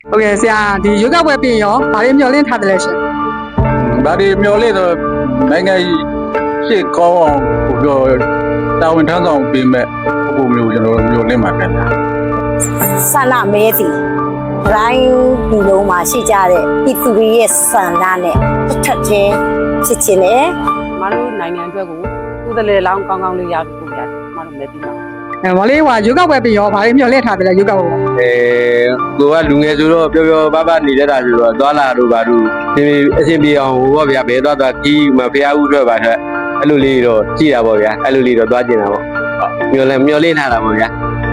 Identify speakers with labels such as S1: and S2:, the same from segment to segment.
S1: ဟုတ်ကဲ့ဆရာဒီရွေးကောက်ပွဲပြင်ရောဘာတွေမျှော်လင့်ထားတယ်လဲရှင်
S2: ဒါတွေမျောလေးတော့နိုင်ငံရှေ့ကောင်းအောင်ပြောတာဝန်ထမ်းဆောင်ပေးမဲ့ပုံမျိုးကျွန်တော်မျောလင့်မှာပဲ
S3: ဆန္ဒမဲသည်ရိုင်းဒီလုံးမှာရှိကြတဲ့ပြည်သူတွေရဲ့ဆန္ဒနဲ့တစ်ထပ်ချင်းဖြစ်ချင်တယ်
S4: မတို့နိုင်ငံအတွက်ကိုကုသလေလောင်းကောင်းကောင်းလေးရဖို့ပြရတယ်မတို့လည်းပြီးပါ
S1: မလေးဟွာရွေးကောက်ပွဲပြင်ရောဘာတွေမျှော်လင့်ထားတယ်လဲရွေးကောက်ပွဲ
S5: ကိုကလူငယ်ဆိုတော့ပျော်ပျော်ပါပါနေတတ်တာဆိုတော့သွားလာတို့ဘာတို့ဒီအရှင်ပြေအောင်ဟိုပေါ့ဗျာဘယ်သွားကြီးမဖျားဦးအတွက်ပါထွက်အဲ့လိုလေးတော့ကြည့်တာပေါ့ဗျာအဲ့လိုလေးတော့သွားကျင်တာပေါ့မျောလင့်ထားတာပေါ့ဗျာ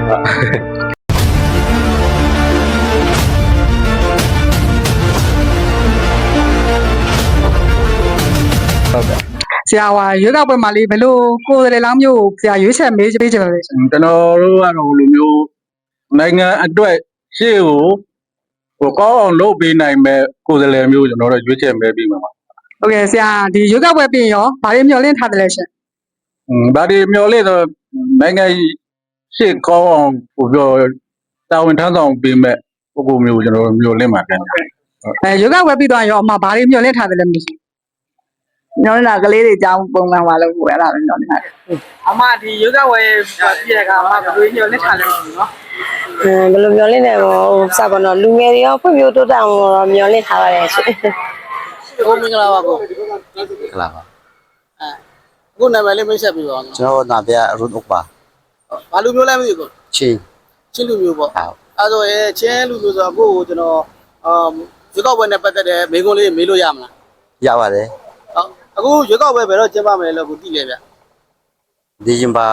S1: ဆရာဟွာရွေးကောက်ပွဲမှာလေးဘယ်လိုကိုယ်စားလှယ်လောင်းမျိုးဆရာရွေးချက်မေးပေးကြပါလဲရှင်
S2: ကျွန်တော်တို့ကတော့လိုမျိုးနိုင်ငံအတွက်ရှေ့ကိုကောင်းအောင်လုပ်ပေးနိုင်မဲ့ကိုယ်စားလှယ်မျိုးကျွန်တော်တို့ရွေးချယ်မဲပြီးမှာပါ
S1: ဟုတ်ကဲ့ဆရာဒီရွေးကောက်ပွဲပြင်ရောဘာတွေမျှော်လင့်ထားတယ်လဲရှင်
S2: ဒါတွေမျောလေးတော့နိုင်ငံရှေ့ကောင်းအောင်ပြောတာဝန်ထမ်းဆောင်ပေးမဲ့ပုံမျိုးကျွန်တော်တို့မျောလင့်မှာပဲ
S1: ရွေးကောက်ပွဲပြီးသွားရောအမဘာတွေမျှော်လင့်ထားတယ်လဲမရှိ
S6: ညောင်းလာကလေးတွေအကြောင်းပုံမှန်ပါလို့အဲ့ဒါပဲညောင်းနေတာ
S1: အမဒီရွေးကောက်ပွဲပြည်တဲ့ကအမဘယ်လိုမျှော်လင့်ထားလဲနော်
S3: ဘယ်လိုမျှော်လင့်နေဟိုစပါတော့လူငယ်တွေရောဖွံ့ဖြိုးတိုးတက်အောင်တော့မျှော်လင့်ထားပါတယ်ရှင်
S7: ကိုမင်္ဂလာပါကို
S5: ကလာပါ
S7: အခုနာမည်လေးမိတ်ဆက်ပြီးပါဦး
S5: ကျွန်တော်နာပြရုံးဥပ္ပါ
S7: ဘာလူမျိုးလဲမသိဘူး
S5: ချင်း
S7: လူမျိုးပေါ့အဲဆိုရင်ချင်းလူမျိုးဆိုတော့ကိုကျွန်တော်ရွေးကောက်ပွဲနဲ့ပတ်သက်တဲ့မိကုံးလေးမေးလို့ရမလား
S5: ရပါတယ်
S7: ဟုတ်အခုရွေးကောက်ပွဲဘယ်တော့ကျင်းပမယ်လို့ကိုသိလဲဗျ
S5: ဒီဇင်ဘာ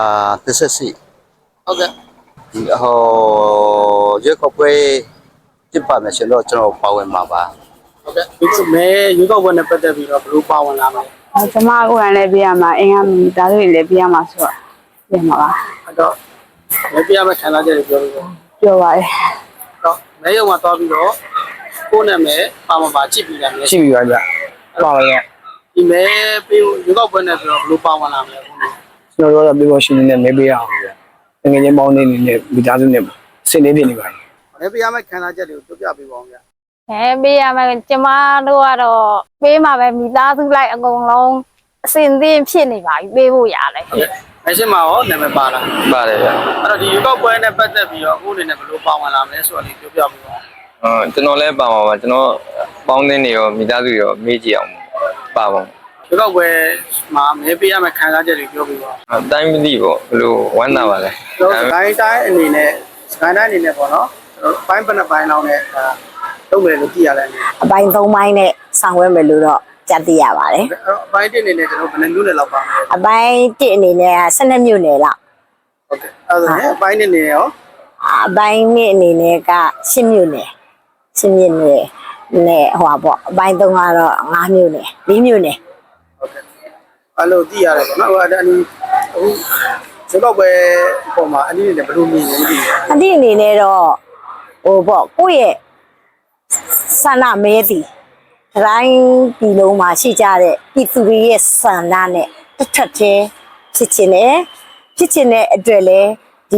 S5: 14
S7: ဟုတ်ကဲ့
S5: ဒီဟိုရွေးကောက်ပွဲကျင်းပမယ်ဆိုတော့ကျွန်တော်ပါဝင်မှာပါ
S7: ဟုတ်ကဲ့ဒီမဲရွေးကောက်ပွဲနဲ့ပတ်သက်ပြီးတော့ဘယ်လိုပါဝင်လာမလဲ
S6: ကျမကိုယ်တိုင်လည်းပြရမှာအင်္ဂါမီဒါတွေလည်းပြရမှာဆိုတော့ပြမှာပါ
S7: အဲ့တော့မဲပြရမယ့်ခံစားချက်တွေပြောလို့
S6: ပြောပါရဲ့
S7: တော့မဲရုံမှာသွားပြီးတော့ကိုယ်နာမည်ပါမှာပါကြည့်ပြီးလာမယ်
S5: ကြည့်ပြီးပါဗျပါပါရဲ့
S7: ဒီမဲပြီးရွေးကောက်ပွဲနဲ့ဆိုတော့ဘယ်လိုပါဝင်လာမလဲ
S5: ကျွန်တော်တို့ကပြေပေါ်ရှင်နေနဲ့မဲပေးရအောင်ဗျငွေချင်းပေါင်းနေနဲ့မိသားစုနဲ့စင်နေပြနေပါ
S7: မဲပြရမယ့်ခံစားချက်တွေကိုပြောပြပေးပါဦးဗျ
S3: ပေးရမယ်ကျမတို့ကတော့ပေးမှာပဲမိသားစုလိုက်အကုန်လုံးအစင်သင်းဖြစ်နေပါပြီပေးဖို့ရတယ်
S7: မဲရှင်းမှာရောနာမည်ပါလား
S5: ပါတယ်ဗျ
S7: အဲ့တော့ဒီရွေးကောက်ပွဲနဲ့ပတ်သက်ပြီးတော့အခုအနေနဲ့ဘယ်လိုပါဝင်လာမလဲဆိုတာလေးပြောပြပေးပါ
S5: ကျွန်တော်လည်းပါပါပါကျွန်တော်ပေါင်းသင်းနေရောမိသားစုရောမေးကြည့်အောင်ပါပါ
S7: ရွေးကောက်ပွဲမှာမဲပေးရမယ့်ခံစားချက်တွေပြောပြပါ
S5: အတိုင်းမသိပေါ့ဘယ်လိုဝမ်းသာပါလဲ
S7: ကျွန်တော်ဂိုင်းတိုင်းအနေနဲ့ဂိုင်းတိုင်းအနေနဲ့ပေါ့နော်ပိုင်းပနပိုင်းလောက်နဲ့လုပ်မယ်လို့သိရလဲ
S3: အပိုင်း၃ပိုင်းနဲ့ဆောင်ရွက်မယ်လို့တော့ကြားသိရပါတယ်
S7: အပိုင်း1အနေနဲ့ကျွန်တော်ဘယ်နှမျိုးနဲ့လောက်ပါမလဲ
S3: အပိုင်း1အနေနဲ့12မျိုးနယ်လောက်
S7: ဟုတ်ကဲ့အဲ့ဒါနဲ့အပိုင်း2အနေနဲ့ရော
S3: အပိုင်း2အနေနဲ့က10မျိုးနယ်10မျိုးနယ်နဲ့ဟိုပါပေါ့အပိုင်း3ကတော့5မျိုးနယ်4မျိုးနယ်
S7: ဟုတ်ကဲ့အဲ့လိုသိရတယ်ပေါ့နော်ဟိုအနီးအခုစကောက်ပဲပုံမှာအနည်းနဲ့ဘယ်လိုမြင်လဲမသိဘူး
S3: အနည်းအနေနဲ့တော့ဟိုပေါ့ကိုယ့်ရဲ့ဆန္ဒမဲသည်ရိုင်းဒီလုံးမှာရှိကြတဲ့ပြည်သူတွေရဲ့ဆန္ဒနဲ့တစ်ထပ်ချင်းဖြစ်ချင်တဲ့အတွက်လဲဒီ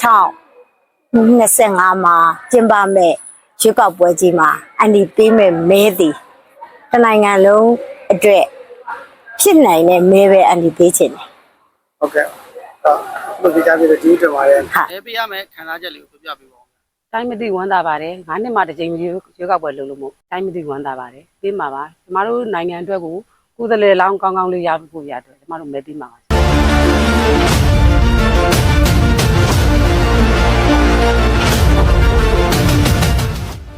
S3: 2025မှာကျင်းပမဲ့ရွေးကောက်ပွဲကြီးမှာအန်ဒီပေးမဲ့မဲသည်တနိုင်ငံလုံးအတွက်ဖြစ်နိုင်တဲ့မဲပဲအန်ဒီပေးချင်တယ်
S7: ဟုတ်ကဲ့ဘယ်လိုကြားပြီးတော့ဒီတက်ပါတယ်မဲပေးရမယ်ခံစားချက်လေးကိုပြောပြပေးပါဦး
S4: တိုင်းမသိဝမ်းသာပါတယ်9နှစ်မှတစ်ကြိမ်ရွေးကောက်ပွဲလုပ်လို့မို့တိုင်းမသိဝမ်းသာပါတယ်ပြီးမှာပါကျမတို့နိုင်ငံအတွက်ကိုကုသလေလောင်းကောင်းကောင်းလေးရဖို့ရတယ်ကျမတို့မဲပြီးမှာပါ